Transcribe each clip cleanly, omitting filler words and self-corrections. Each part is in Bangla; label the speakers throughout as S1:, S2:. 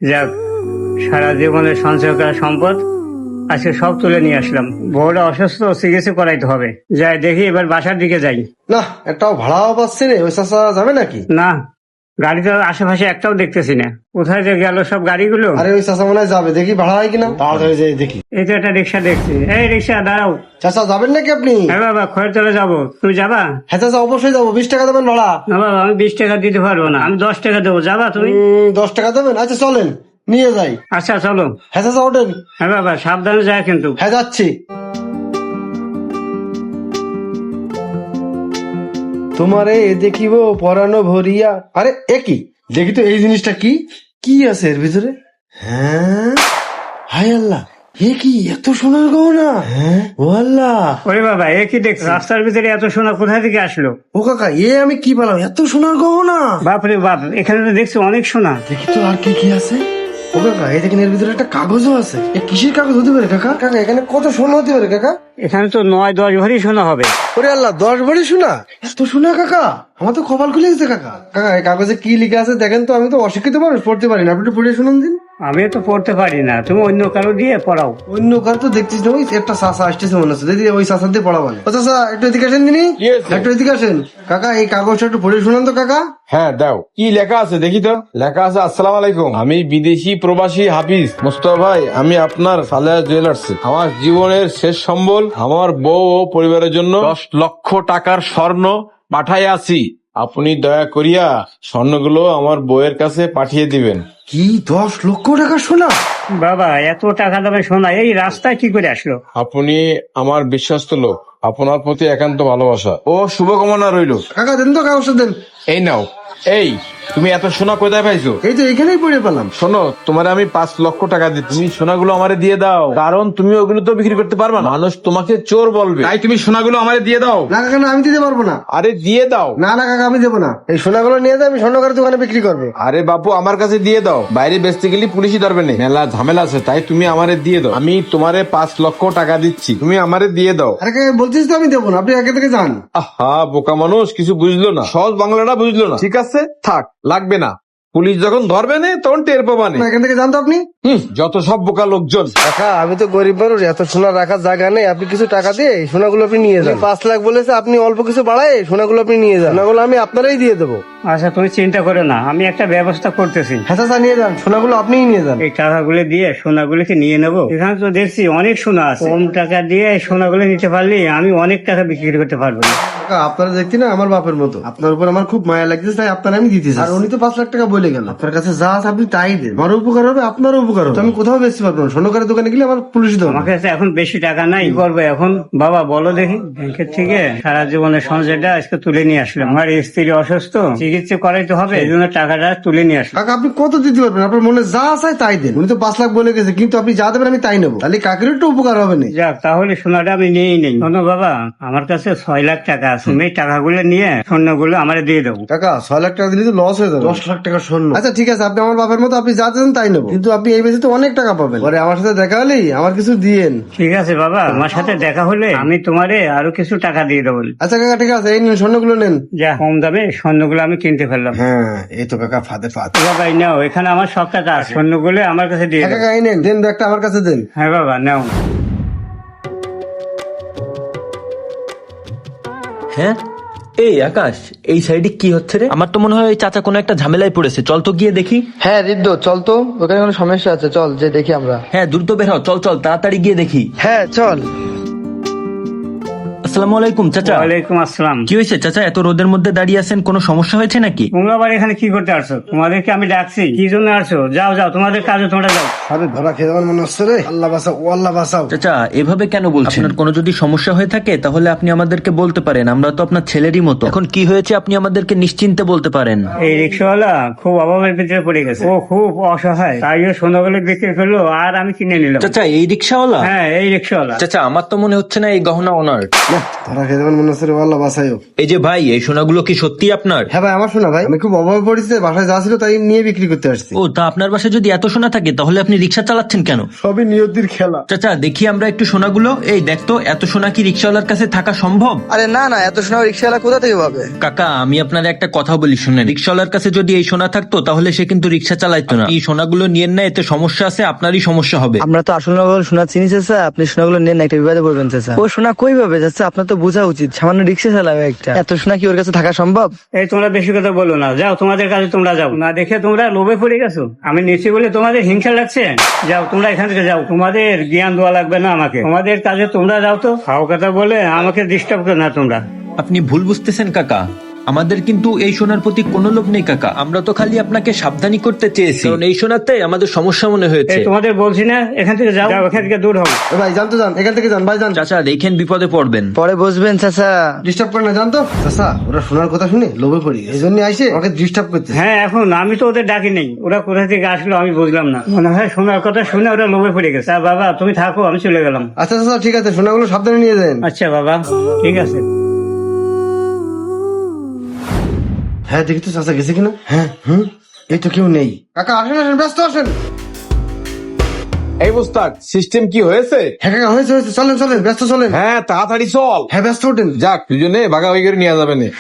S1: যাক, সারা জীবনের সঞ্চয় করা সম্পদ আজকে সব তুলে নিয়ে আসলাম। বউটা অসুস্থ, চিকিৎসা করাইতে হবে। যাই দেখি, এবার বাসার দিকে যাই।
S2: না, একটাও ভাড়াও পাচ্ছি রে, ওই চাচা যাবে নাকি?
S1: না, গাড়ি তো আশেপাশে একটাও দেখতেছি না। কোথায় যে গেল সব গাড়িগুলো?
S2: আরে ওই চাচা মনে হয় যাবে, দেখি ভাড়া হয় কিনা, তাড়াতাড়ি যাই দেখি।
S1: এই তো একটা রিক্সা দেখছি। এই রিক্সা দাঁড়াও।
S2: চাচা যাবেন নাকি আপনি?
S1: হ্যাঁ বাবা, খয়েরতলা যাবো। তুমি যাবা?
S2: হ্যাঁ চাচা, অবশ্যই যাবো। 20 টাকা দেবেন ভাড়া?
S1: না বাবা, আমি 20 টাকা দিতে পারবো না, আমি 10 টাকা দেবো। যাবা তুমি?
S2: 10 টাকা দেবেন? আচ্ছা চলেন, নিয়ে যাই।
S1: আচ্ছা চলো।
S2: হ্যাঁ চাচা ওঠেন।
S1: হ্যাঁ বাবা, সাবধানে যায় কিন্তু।
S2: হ্যাঁ যাচ্ছি। তোমারে দেখিব পরানো ভরিয়া। আরে এ কি, দেখি তো এই জিনিসটা কি কি আছে এর ভিতরে। হ্যাঁ, হায় আল্লাহ, এ কি এত সোনার গহনা? হ্যাঁ ও আল্লাহ।
S1: ওরে বাবা, এ কি দেখছি? রাস্তার ভিতরে এত সোনা কোথা থেকে আসলো?
S2: ও কাকা, এ আমি কি বললাম, এত সোনার গহনা?
S1: বাপরে বাপ, এখানে তো দেখছি অনেক সোনা।
S2: দেখি তো আর কি কি আছে। ও কাকা, এই দেখেন এর ভিতরে একটা কাগজও আছে। এ কিসের কাগজ হতে পারে কাকা? কাকা এখানে কত সোনা হতে পারে কাকা?
S1: এখানে তো 9-10 ভরি সোনা হবে।
S2: ওরে আল্লাহ, 10 ভরি সোনা? এত সোনা কাকা, আমার তো কপাল খুলে গেছে কাকা। কাকা এই কাগজে কি লিখা আছে দেখেন তো, আমি তো অশিক্ষিত মানুষ, পড়তে পারি না, আপনি একটু পড়ে শুনুন দিন।
S1: আমি তো পড়তে পারি না, তুমি অন্য কারো দিয়ে পড়াও।
S2: অন্য কার তো দেখছিস না, ওই একটা চাষা আসতেছে মনে হচ্ছে, দিদি ওই চাষার দিয়ে পড়াবানে। ও চাষা, একটু এদিকে আসেন দিনি, একটু এদিকে আসেন। কাকা এই কাগজটা একটু পড়ে শুনান তো কাকা।
S3: হ্যাঁ দাও, কি লেখা আছে দেখি তো। লেখা আছে, আসসালামু আলাইকুম, আমি বিদেশি প্রবাসী হাফিজ মুস্তফা ভাই, আমি আপনার সালেহা জুয়েলার্স আমার জীবনের শেষ সম্বল আমার বউ ও পরিবারের জন্য 10 লক্ষ টাকার স্বর্ণ পাঠাই আছি। আপনি দয়া করিয়া স্বর্ণগুলো আমার বউয়ের কাছে পাঠিয়ে দিবেন।
S2: কি 10 লক্ষ টাকা সোনা?
S1: বাবা, এত টাকা দামে সোনা এই রাস্তায় কি করে আসলো?
S3: আপনি আমার বিশ্বস্ত লোক, আপনার প্রতি একান্ত ভালোবাসা ও শুভকামনা রইল।
S2: কাকা দেন তো কাগজটা দেন।
S3: এই নাও। এই, তুমি এত সোনা কোথায় পাইছো?
S2: এই তো এখানেই পড়ে পেলাম।
S3: শোনো, তোমার আমি 5 লক্ষ টাকা দিচ্ছি, তুমি সোনাগুলো আমারে দিয়ে দাও, কারণ তুমি ওগুলো তো বিক্রি করতে পারবে না, মানুষ তোমাকে চোর বলবে, তাই তুমি সোনাগুলো আমারে দিয়ে দাও।
S2: না কাকা না, আমি দিতে পারবো না।
S3: আরে দিয়ে দাও।
S2: না না কাকা, আমি দেবো না। এই সোনাগুলো নিয়ে যাই, আমি স্বর্ণকারের দোকানে বিক্রি করবো।
S3: আরে বাপু, আমার কাছে দিয়ে দাও, বাইরে বেচতে গেলে পুলিশই ধরবে না, মেলা ঝামেলা আছে, তাই তুমি আমারে দিয়ে দাও। আমি তোমারে 5 লক্ষ টাকা দিচ্ছি, তুমি আমারে দিয়ে দাও।
S2: আরে কাকা বলছিস তো আমি দেবো না, আপনি আগে থেকে যান।
S3: আহা, বোকা মানুষ কিছু বুঝলো না, সহজ বাংলাটা বুঝলো না। ঠিক আছে থাক, লাগবে না, পুলিশ যখন ধরবে না তখন টের পাবা না।
S2: না, এখান থেকে যান তো আপনি।
S3: যত সব বোকা লোকজন।
S2: কাকা আমি তো গরিব মানুষ, এত সোনা রাখার জায়গা নেই, আপনি কিছু টাকা দিয়ে এই সোনাগুলো আপনি নিয়ে যান। 5 লাখ বলেছে, আপনি অল্প কিছু বাড়ায় সোনাগুলো আপনি নিয়ে যান, সোনাগুলো আমি আপনারাই দিয়ে দেবো।
S1: আচ্ছা তুমি চিন্তা করো না, আমি একটা ব্যবস্থা করতেছি।
S2: হ্যাঁ চাচা নিয়ে যান, সোনাগুলো আপনিই নিয়ে যান।
S1: এই টাকাগুলো দিয়ে সোনাগুলোকে নিয়ে নেবো। এখানে তো দেখছি অনেক সোনা আছে, কম টাকা দিয়ে এই সোনাগুলো নিতে পারলে আমি অনেক টাকা বিক্রি করতে পারবো।
S2: কাকা আপনারা দেখছি না আমার বাপের মতো, আপনার উপর আমার খুব মায়া লাগতেছে, তাই আপনার আমি দিতেছি। আর উনি তো 5 লাখ টাকা বলে গেল, আপনার কাছে যা আছে আপনি তাই দেন, আমারও উপকার হবে আপনারও উপকার হবে। তো আমি কোথাও বেচতে পারবো না, স্বর্ণকারের দোকানে গেলে আমার পুলিশ দেবো।
S1: আমার কাছে এখন বেশি টাকা নাই, কি করবো এখন? বাবা বলো দেখি। ব্যাংকের থেকে সারা জীবনের সঞ্চয়টা আজকে তুলে নিয়ে আসলাম। আমার স্ত্রী অসুস্থ, চিকিৎসা করাইতে হবে, এই জন্য টাকাটা তুলে নিয়ে আসলাম।
S2: কাকা আপনি কত দিতে পারবেন? আপনার মনে যা চাই তাই দেন। উনি তো 5 লাখ বলে গেছে, কিন্তু আপনি যা দেবেন আমি তাই নেবো, তাহলে কাকের একটু উপকার হবে না।
S1: যাক, তাহলে সোনাটা আমি নিয়েই নেই। শোনো বাবা, আমার কাছে 6 লাখ টাকা আছে, তুমি এই টাকাগুলো নিয়ে স্বর্ণগুলো আমার দিয়ে দেবো।
S2: কাকা 6 লাখ টাকা দিলে তো লস হয়ে যাবে। 10 লাখ টাকা স্বর্ণ। আচ্ছা ঠিক আছে, আপনি আমার বাপের মতো, আপনি যা চান তাই নেবো, কিন্তু আপনি এই বেশি তো অনেক টাকা পাবেন। পরে আমার সাথে দেখা হলেই আমার কিছু দিয়েন।
S1: ঠিক আছে বাবা, তোমার সাথে দেখা হলে আমি তোমারে আরো কিছু টাকা দিয়ে দেবো।
S2: আচ্ছা কাকা ঠিক আছে, এই নিন স্বর্ণগুলো নেন।
S1: যা, কম দামে স্বর্ণগুলো আমি কিনতে ফেললাম।
S2: হ্যাঁ এই তো কাকা ফাঁদে ফাঁদ।
S1: বাবা এই নাও, এখানে আমার সব টাকা আছে, স্বর্ণগুলো আমার কাছে দিয়ে দাও।
S2: কাকা এই নেন, দেন ব্যাগটা আমার কাছে দেন।
S1: হ্যাঁ বাবা নাও।
S4: হ্যাঁ, এই আকাশ, এই সাইডে কি হচ্ছে রে? আমার তো মনে হয় ওই চাচা কোনো একটা ঝামেলায় পড়েছে, চল তো গিয়ে দেখি।
S5: হ্যাঁ রিদ্দ, চল তো, ওখানে কোনো সমস্যা আছে, চল যে দেখি আমরা।
S4: হ্যাঁ দ্রুত বের হও, চল চল তাড়াতাড়ি গিয়ে দেখি।
S5: হ্যাঁ চল।
S4: আসসালামু আলাইকুম চাচা।
S1: ওয়ালাইকুম আসসালাম।
S4: কি হয়েছে চাচা, এত রোদের মধ্যে দাঁড়িয়ে আছেন, কোনো সমস্যা হয়েছে নাকি?
S1: তোমরা আবার এখানে কি করতে আসছো? তোমাদেরকে আমি ডাকছি, কি জন্য আসছো? যাও যাও, তোমাদের কাজে তোমরা যাও।
S2: আরে ধরা খেয়ে যাওয়ার মনে হচ্ছে রে। আল্লাহ বাঁচাও, ও আল্লাহ বাঁচাও।
S4: চাচা এভাবে কেন বলছেন? আপনার কোনো যদি সমস্যা হয়ে থাকে তাহলে আপনি আমাদেরকে বলতে পারেন, আমরা তো আপনার ছেলেরই মতো। এখন কি হয়েছে আপনি আমাদেরকে নিশ্চিন্তে বলতে পারেন।
S1: এই রিক্সাওয়ালা খুব অভাবের ভিতরে পড়ে গেছে, ও খুব অসহায়, তাই ও সোনাগুলো বিক্রি করলো আর আমি কিনে নিলাম।
S4: চাচা এই রিক্সাওয়ালা?
S1: হ্যাঁ এই রিক্সাওয়ালা।
S4: চাচা আমার তো মনে হচ্ছে না এই গহনা ওনার।
S2: না ধরা খেতে মনে হচ্ছে রে, আল্লাহ বাঁচাইও।
S4: এই যে ভাই, এই সোনাগুলো কি সত্যি আপনার?
S2: হ্যাঁ ভাই, আমার শোনা ভাই, আমি খুব অভাবে পড়েছি, বাসায় যা ছিল তাই নিয়ে বিক্রি করতে আসছি।
S4: ও, তা আপনার বাসায় যদি এত সোনা থাকে তাহলে আপনি রিক্সা চালাচ্ছেন কেন?
S2: সবই নিয়তির খেলা।
S4: চাচা, দেখি আমরা একটু সোনাগুলো। এই দেখতো, এত সোনা কি রিক্সাওয়ালার কাছে থাকা সম্ভব?
S5: আরে না না, এত সোনা রিক্সাওয়ালা কোথা থেকে পাবে?
S4: কাকা, আমি আপনার একটা কথা বলি শুনেন। রিক্সাওয়ালার কাছে যদি এই সোনা থাকতো তাহলে সে কিন্তু রিক্সা চালাইতো না। এই সোনাগুলো নিয়েন না, এতে সমস্যা আছে, আপনারই সমস্যা হবে।
S5: আমরা তো আসল সোনা চিনি চাচা, আপনি সোনাগুলো নেন না, একটা বিবাদে পড়বেন চাচা। ও সোনা কই পাবে চাচা? আপনার তো বোঝা উচিত, সামান্য রিক্সা চালাবে একটা, এত সোনা কি ওর কাছে থাকা সম্ভব?
S1: এই তোমরা বেশি কথা বলো না, যাও তোমাদের কাছে তোমরা যাও। না দেখে তোমরা লোভে পড়ে গেছো, আমি নিচ্ছি বলে তোমাদের হিংসা লাগছে। যাও তোমরা এখান থেকে যাও, তোমাদের জ্ঞান দেওয়া লাগবে না আমাকে, তোমাদের কাজে তোমরা যাও তো। খাও কথা বলে আমাকে ডিস্টার্ব করো না তোমরা।
S4: আপনি ভুল বুঝতেছেন কাকা, আমাদের কিন্তু এই সোনার প্রতি কোনো লোভ নেই কাকা। আমরা তো খালি আপনাকে সাবধানী করতে চেয়েছি, কারণ এই সোনাতে আমাদের সমস্যা মনে হয়েছে।
S1: এই তোমাদের বলছি না, এখান থেকে যাও, যাও, এখান থেকে দূর হও।
S2: এ ভাই যান তো, যান এখান থেকে, যান ভাই যান।
S4: চাচা দেখেন, বিপদে পড়বেন।
S5: পরে বসবেন চাচা।
S2: ডিস্টার্ব করে না, জান তো চাচা, ওরা শোনার কথা শুনে লোভে পড়ি, এই জন্য আইসে আমাকে ডিস্টার্ব করতে।
S1: হ্যাঁ, এখন আমি তো ওদের ডাকি নেই, ওরা কোথা থেকে আসলো আমি বুঝলাম না। মনে হয় শোনার কথা শুনে ওরা লোভে পড়ে গেছে। তা বাবা তুমি থাকো, আমি চলে গেলাম।
S2: আচ্ছা চাচা ঠিক আছে, সোনাগুলো সাবধানে নিয়ে যান।
S1: আচ্ছা বাবা, ঠিক আছে।
S2: হ্যাঁ দেখি তো চাচা গেছে কিনা। হ্যাঁ এই তো কেউ নেই। কাকা আসেন আসেন, ব্যস্ত আসেন।
S3: এই মুস্তাক, সিস্টেম কি হয়েছে?
S2: হ্যাঁ কাকা হয়েছে হয়েছে, চলেন চলেন, ব্যস্ত চলেন।
S3: হ্যাঁ তাড়াতাড়ি চল।
S2: হ্যাঁ ব্যস্ত ওঠেন।
S3: যাক, দুজনে ভাগাভাগি করে নিয়ে যাবে না।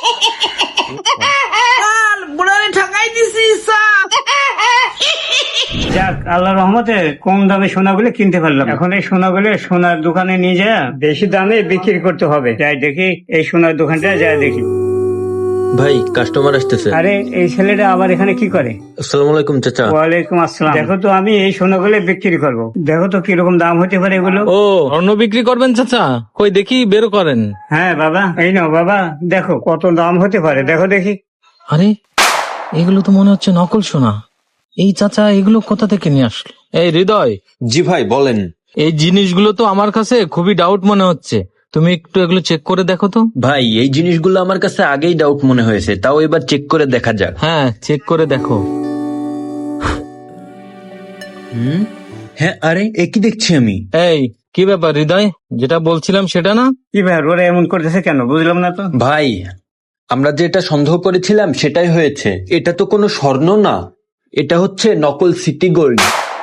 S1: যাক, আল্লাহর রহমতে কম দামে সোনাগুলো কিনতে পারলাম। এখন এই সোনাগুলো সোনার দোকানে নিয়ে যা বেশি দামে বিক্রি করতে হবে। যাই দেখি, এই সোনার দোকানটা যাই দেখি।
S4: ভাই, কাস্টমার আসতেছে।
S1: আরে এই ছেলেটা আবার এখানে কি করে?
S4: আসসালামু আলাইকুম চাচা।
S1: ওয়ালাইকুম আসসালাম। দেখো তো, আমি এই সোনাগুলো বিক্রি করবো, দেখো তো কিরকম দাম হতে পারে এগুলো।
S6: ও, অন্য বিক্রি করবেন চাচা? কই দেখি, বের করেন।
S1: হ্যাঁ বাবা, এই নাও বাবা, দেখো কত দাম হতে পারে, দেখো দেখি।
S6: আরে, এগুলো তো মনে হচ্ছে নকল সোনা। এই চাচা এগুলো কোথা থেকে নিয়ে আসলো? এই হৃদয়,
S4: জি ভাই বলেন।
S6: এই জিনিসগুলো তো আমার কাছে খুবই ডাউট মনে হচ্ছে, তুমি একটু এগুলো চেক করে দেখো তো।
S4: ভাই, এই জিনিসগুলো আমার কাছে আগেই ডাউট মনে হয়েছে, তাও এবার চেক করে দেখা যাক।
S6: হ্যাঁ, চেক করে দেখো।
S4: হ্যাঁ, আরে এ কি দেখছি আমি?
S6: এই, কি ব্যাপার হৃদয়, যেটা বলছিলাম সেটা না?
S1: কি ভাই, ওরা এমন করতেছে কেন বুঝলাম না তো।
S4: ভাই, আমরা যেটা সন্দেহ করেছিলাম সেটাই হয়েছে। এটা তো কোনো স্বর্ণ না, এটা হচ্ছে নকল সিটি গোল্ড।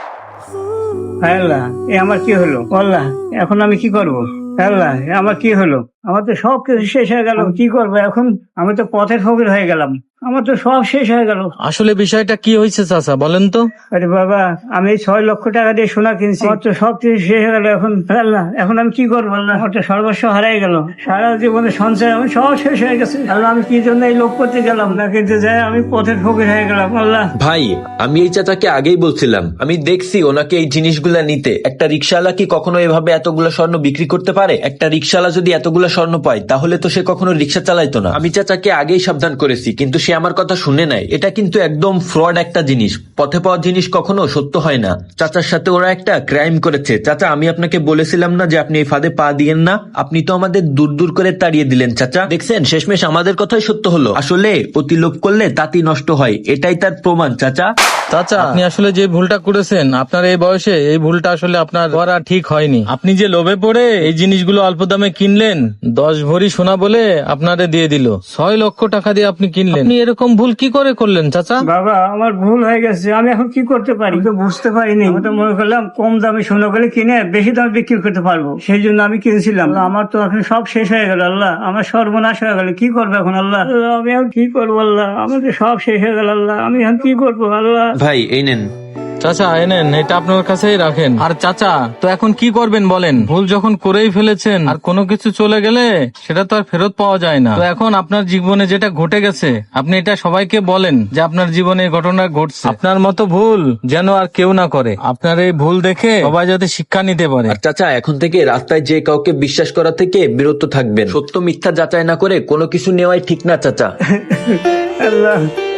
S1: হায় আল্লাহ, এ আমার কি হলো? আল্লাহ, এখন আমি কি করব? আল্লাহ, এ আমার কি হলো? আমার তো সব কিছু শেষ হয়ে গেল, কি করবো এখন? আমি তো পথের ফকির হয়ে গেলাম, আমার তো সব শেষ হয়ে গেল।
S6: আসলে বিষয়টা কি হয়েছে চাচা, বলেন তো।
S1: আরে বাবা, আমি 6 লক্ষ টাকা দিয়ে সোনা কিনছি, আমার তো সব কিছু শেষ হয়ে গেল। এখন আল্লাহ, এখন আমি কি করবো? আল্লাহ, আমার তো সর্বস্ব হারাই গেল, সারা জীবনে সঞ্চয় আমি সব শেষ হয়ে গেছে। আল্লাহ, আমি কি জন্য এই লোক করতে গেলাম না, কিন্তু যাই আমি পথের ফকির হয়ে গেলাম। আল্লাহ
S4: ভাই, আমি এই চাচাকে আগেই বলছিলাম, আমি দেখছি ওনাকে এই জিনিসগুলা নিতে। একটা রিক্সাওয়ালা কি কখনো এভাবে এতগুলো স্বর্ণ বিক্রি করতে পারে? একটা রিক্সাওয়ালা যদি এতগুলো স্বর্ণ পায় তাহলে তো সে কখনো রিক্সা চালাইতো না। আমি চাচাকে আগেই সাবধান করেছি, কিন্তু সে আমার কথা শুনে নাই। এটা কিন্তু একদম ফ্রড একটা জিনিস, পথে পাওয়া জিনিস কখনো সত্য হয় না। চাচার সাথে ওরা একটা ক্রাইম করেছে। চাচা, আমি আপনাকে বলেছিলাম না যে আপনি এই ফাঁদে পা দিয়েন না? আপনি তো আমাদের দূর দূর করে তাড়িয়ে দিলেন চাচা। দেখছেন, শেষমেশ আমাদের কথাই সত্য হলো। আসলে অতি লোভ করলে তাঁতি নষ্ট হয়, এটাই তার প্রমাণ চাচা।
S6: চাচা, আপনি আসলে যে ভুলটা করেছেন আপনার এই বয়সে, এই ভুলটা আসলে আপনার করা ঠিক হয়নি। আপনি যে লোভে পড়ে এই জিনিসগুলো অল্প দামে কিনলেন, 10 ভরি সোনা বলে আপনারে দিয়ে দিল, 6 লক্ষ টাকা দিয়ে আপনি কিনলেন। আপনি এরকম ভুল কি করে করলেন চাচা?
S1: বাবা, আমার ভুল হয়ে গেছে, আমি এখন কি করতে পারি? আমি তো বুঝতে পারিনি। আমি তো মনে করলাম কম দামে সোনাগুলো কিনে বেশি দামে বিক্রি করতে পারবো, সেই জন্য আমি কিনছিলাম। আমার তো এখন সব শেষ হয়ে গেল। আল্লাহ, আমার সর্বনাশ হয়ে গেল, কি করবো এখন? আল্লাহ, আমি এখন কি করবো? আল্লাহ, আমার তো সব শেষ হয়ে গেল। আল্লাহ, আমি এখন কি করবো? আল্লাহ।
S4: ভাই, এই নেন।
S6: চাচা এনেন, এটা আপনার কাছেই রাখেন। আর চাচা, তো এখন কি করবেন বলেন? ভুল যখন করেই ফেলেছেন, আর কোনো কিছু চলে গেলে সেটা তো আর ফেরত পাওয়া যায় না। তো এখন আপনার জীবনে যেটা ঘটে গেছে, আপনি এটা সবাইকে বলেন যে আপনার জীবনে এই ঘটনা ঘটছে। আপনার মতো ভুল যেন আর কেউ না করে। আপনার এই ভুল দেখে সবাই যাতে শিক্ষা নিতে পারে।
S4: আর চাচা, এখন থেকে রাস্তায় যে কাউকে বিশ্বাস করা থেকে বিরত থাকবেন। সত্য মিথ্যা যাচাই না করে কোনো কিছু নেওয়াই ঠিক না চাচা।
S1: আল্লাহ,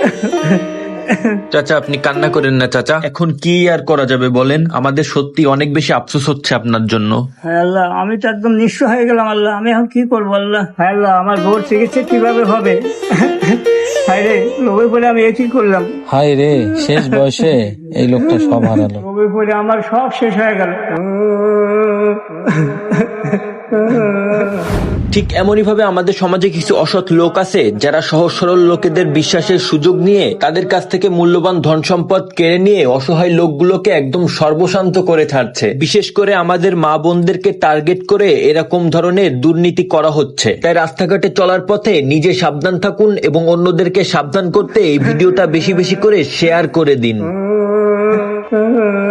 S4: চাচা, আপনি কান্না করেন না চাচা। এখন কি আর করা যাবে বলেন? আমাদের সত্যি অনেক বেশি আফসোস হচ্ছে আপনার জন্য।
S1: হ্যাঁ আল্লাহ, আমি তো একদম নিঃস্ব হয়ে গেলাম। আল্লাহ, আমি এখন কি করবো? আল্লাহ, হ্যাঁ আল্লাহ, আমার বউর চিকিৎসা কিভাবে হবে? হায় রে, লোভে পড়ে আমি কি করলাম?
S6: হায় রে, শেষ বয়সে এই লোকটা সব হারালো।
S1: লোভে পড়ে আমার সব শেষ হয়ে গেল।
S4: ঠিক এমনই ভাবে আমাদের সমাজে কিছু অসৎ লোক আছে যারা সহজ সরল লোকেদের বিশ্বাসের সুযোগ নিয়ে তাদের কাছ থেকে মূল্যবান ধন সম্পদ কেড়ে নিয়ে অসহায় লোকগুলোকে একদম সর্বশান্ত করে ছাড়ছে। বিশেষ করে আমাদের মা বোনদেরকে টার্গেট করে এরকম ধরনের দুর্নীতি করা হচ্ছে। তাই রাস্তাঘাটে চলার পথে নিজে সাবধান থাকুন এবং অন্যদেরকে সাবধান করতে এই ভিডিওটা বেশি বেশি করে শেয়ার করে দিন।